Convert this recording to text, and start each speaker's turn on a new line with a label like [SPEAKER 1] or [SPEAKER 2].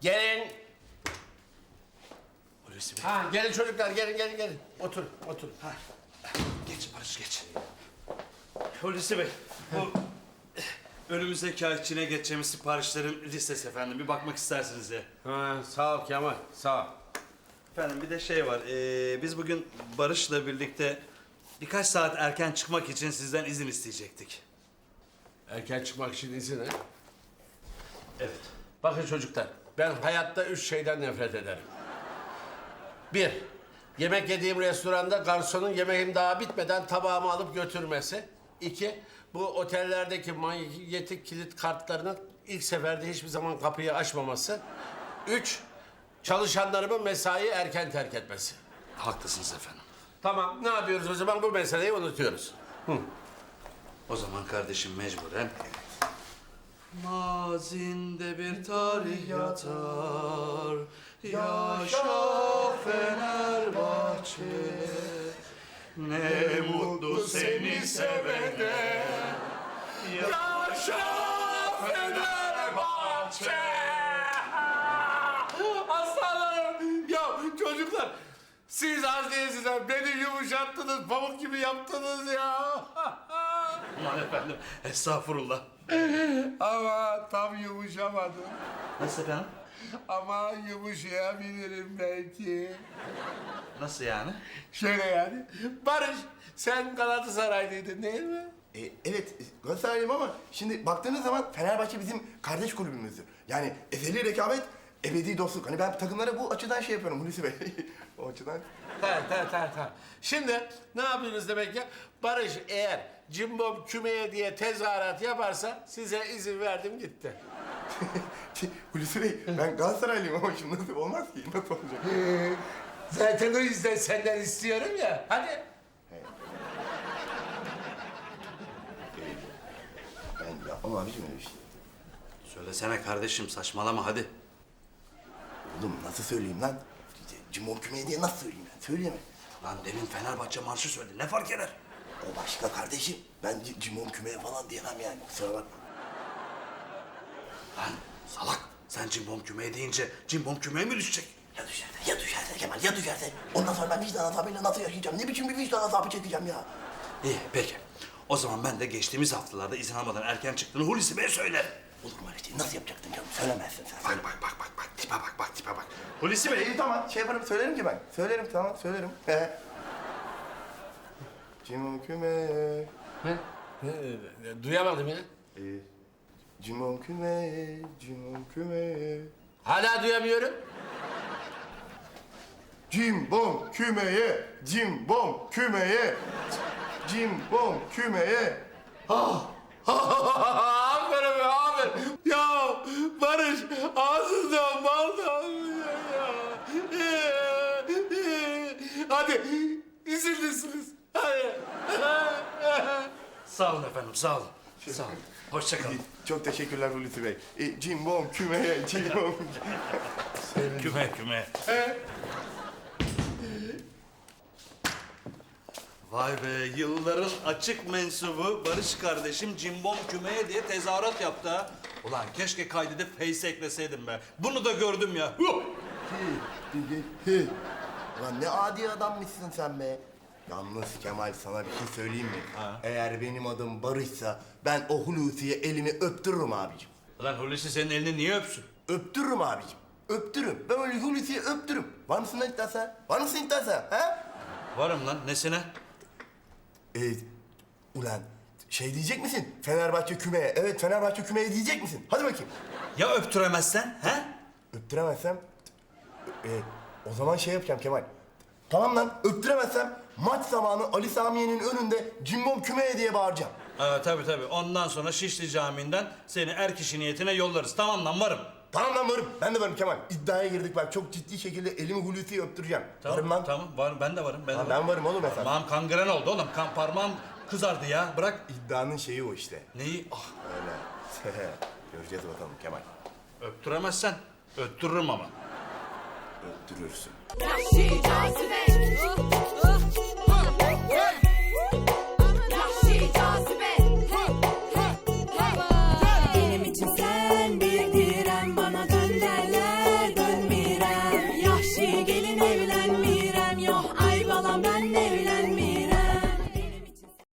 [SPEAKER 1] Gelin.
[SPEAKER 2] Hulusi Bey.
[SPEAKER 1] Ha, gelin çocuklar, gelin. Otur. Ha.
[SPEAKER 2] Geç Barış geç. Hulusi Bey. Bu önümüzdeki ay Çin'e geçeceğimiz siparişlerin listesi efendim. Bir bakmak istersiniz ya.
[SPEAKER 1] Ha, sağ ol Kemal, sağ ol.
[SPEAKER 2] Efendim bir de şey var. Biz bugün Barış'la birlikte birkaç saat erken çıkmak için sizden izin isteyecektik.
[SPEAKER 1] Erken çıkmak için izin ha?
[SPEAKER 2] Evet.
[SPEAKER 1] Bakın çocuklar, ben hayatta 3 şeyden nefret ederim. 1, yemek yediğim restoranda garsonun yemeğim daha bitmeden tabağımı alıp götürmesi. 2, bu otellerdeki manyetik kilit kartlarının ilk seferde hiçbir zaman kapıyı açmaması. 3, çalışanlarımın mesai erken terk etmesi.
[SPEAKER 2] Haklısınız efendim.
[SPEAKER 1] Tamam, ne yapıyoruz o zaman? Bu meseleyi unutuyoruz.
[SPEAKER 2] O zaman kardeşim mecburen... Mazinde bir tarih yatar, yaşa Fenerbahçe. Ne mutlu seni sevene, yaşa Fenerbahçe.
[SPEAKER 1] Aslanlarım! Ya çocuklar, siz az değilsiniz. Beni yumuşattınız, pamuk gibi yaptınız ya.
[SPEAKER 2] Aman efendim, estağfurullah.
[SPEAKER 1] Ama tam yumuşamadım.
[SPEAKER 2] Nasıl efendim?
[SPEAKER 1] Ama yumuşayabilirim belki.
[SPEAKER 2] Nasıl yani?
[SPEAKER 1] Şöyle yani. Barış, sen Galatasaraylıydın değil mi?
[SPEAKER 3] Evet, Galatasaraylıyım ama şimdi baktığınız zaman Fenerbahçe bizim kardeş kulübümüzdür. Yani ezeli rekabet, ebedi dostluk. Hani ben takımlara bu açıdan şey yapıyorum Hulusi Bey. O açıdan.
[SPEAKER 1] Tamam. Şimdi ne yapıyorsunuz demek ya? Barış eğer cimbom kümeye diye tezahürat yaparsa size izin verdim gitti.
[SPEAKER 3] Hulusi Bey, ben Galatasaraylıyım ama şimdi nasıl olmaz ki? Nasıl olacak?
[SPEAKER 1] Zaten o yüzden senden istiyorum ya. Hadi.
[SPEAKER 3] Ben yapmam abiciğim öyle bir şey.
[SPEAKER 2] Söylesene kardeşim, saçmalama hadi.
[SPEAKER 3] Oğlum nasıl söyleyeyim lan? Cimon kümeye diye nasıl söyleyeyim ben? Söyleyemem.
[SPEAKER 2] Lan demin Fenerbahçe marşı söyledi, ne fark eder?
[SPEAKER 3] O başka kardeşim. Ben Cimon kümeye falan diyemem yani. Kusura bakma.
[SPEAKER 2] Lan salak, sen cimbom kümeye deyince cimbom kümeye mi düşecek?
[SPEAKER 3] Ya düşerse Kemal, ya düşerse. Ondan sonra ben vicdan azabıyla nasıl yaşayacağım? Ne biçim bir vicdan azabı çekeceğim ya?
[SPEAKER 2] İyi peki. O zaman ben de geçtiğimiz haftalarda izin almadan erken çıktığını Hulusi Bey'e söylerim.
[SPEAKER 3] Olur mu öyle şey? Nasıl yapacaktın canım? Söylemezsin sen.
[SPEAKER 2] Bak tipe bak. Hulusi Bey.
[SPEAKER 3] İyi tamam, şey yaparım, söylerim ki ben. Söylerim. Cimon kümeye.
[SPEAKER 1] Duyamadım ya.
[SPEAKER 3] Cimon kümeye.
[SPEAKER 1] Hala duyamıyorum.
[SPEAKER 3] Cimbom kümeye.
[SPEAKER 1] Aferin be, aferin. Ya Barış, ağzından bal damlıyor ya. Hadi, izinlisiniz. Hadi.
[SPEAKER 2] Sağ olun efendim, sağ olun. Sağ olun. Hoşça kalın.
[SPEAKER 3] Çok teşekkürler Hulusi Bey. Cimbom kümeye.
[SPEAKER 2] Küme. Vay be, yılların açık mensubu Barış kardeşim cimbom kümeye diye tezahürat yaptı ha. Ulan keşke kaydedip Face'e ekleseydim be. Bunu da gördüm ya.
[SPEAKER 3] Ulan ne adi adammışsın sen be. Yalnız Kemal, sana bir şey söyleyeyim mi?
[SPEAKER 2] Ha.
[SPEAKER 3] Eğer benim adım Barış'sa ben o Hulusi'ye elimi öptürürüm abicim.
[SPEAKER 2] Ulan Hulusi senin elini niye öpsün?
[SPEAKER 3] Öptürürüm abicim. Öptürürüm. Ben öyle Hulusi'ye öptürürüm. Var mısın lan iddiasa? Ha?
[SPEAKER 2] Varım lan, nesine?
[SPEAKER 3] Ulan şey diyecek misin? Fenerbahçe kümeye. Evet, Fenerbahçe kümeye diyecek misin? Hadi bakayım.
[SPEAKER 2] Ya öptüremezsen, he?
[SPEAKER 3] Öptüremezsem... o zaman şey yapacağım Kemal. Tamam lan, öptüremezsem maç zamanı Ali Samiye'nin önünde cimbom kümeye diye bağıracağım.
[SPEAKER 2] Tabii. Ondan sonra Şişli Camii'nden seni er kişi niyetine yollarız. Tamam lan, varım.
[SPEAKER 3] Tamam lan, varım. Ben de varım Kemal. İddiaya girdik bak. Çok ciddi şekilde elimi Hulusi'ye öptüreceğim. Varım lan.
[SPEAKER 2] Tamam, varım. Ben de varım.
[SPEAKER 3] Ben varım oğlum efendim.
[SPEAKER 2] Parmağım kangren oldu oğlum. Parmağım kızardı ya. Bırak.
[SPEAKER 3] İddianın şeyi o işte.
[SPEAKER 2] Neyi? Ah,
[SPEAKER 3] Öyle. Göreceğiz bakalım Kemal.
[SPEAKER 2] öptüremezsen öptürürüm ama.
[SPEAKER 3] Öptürürsün.
[SPEAKER 4] Yahşi cazibe. Yahşi cazibe. Benim için sen bir direm, bana dön derler. gülen mi?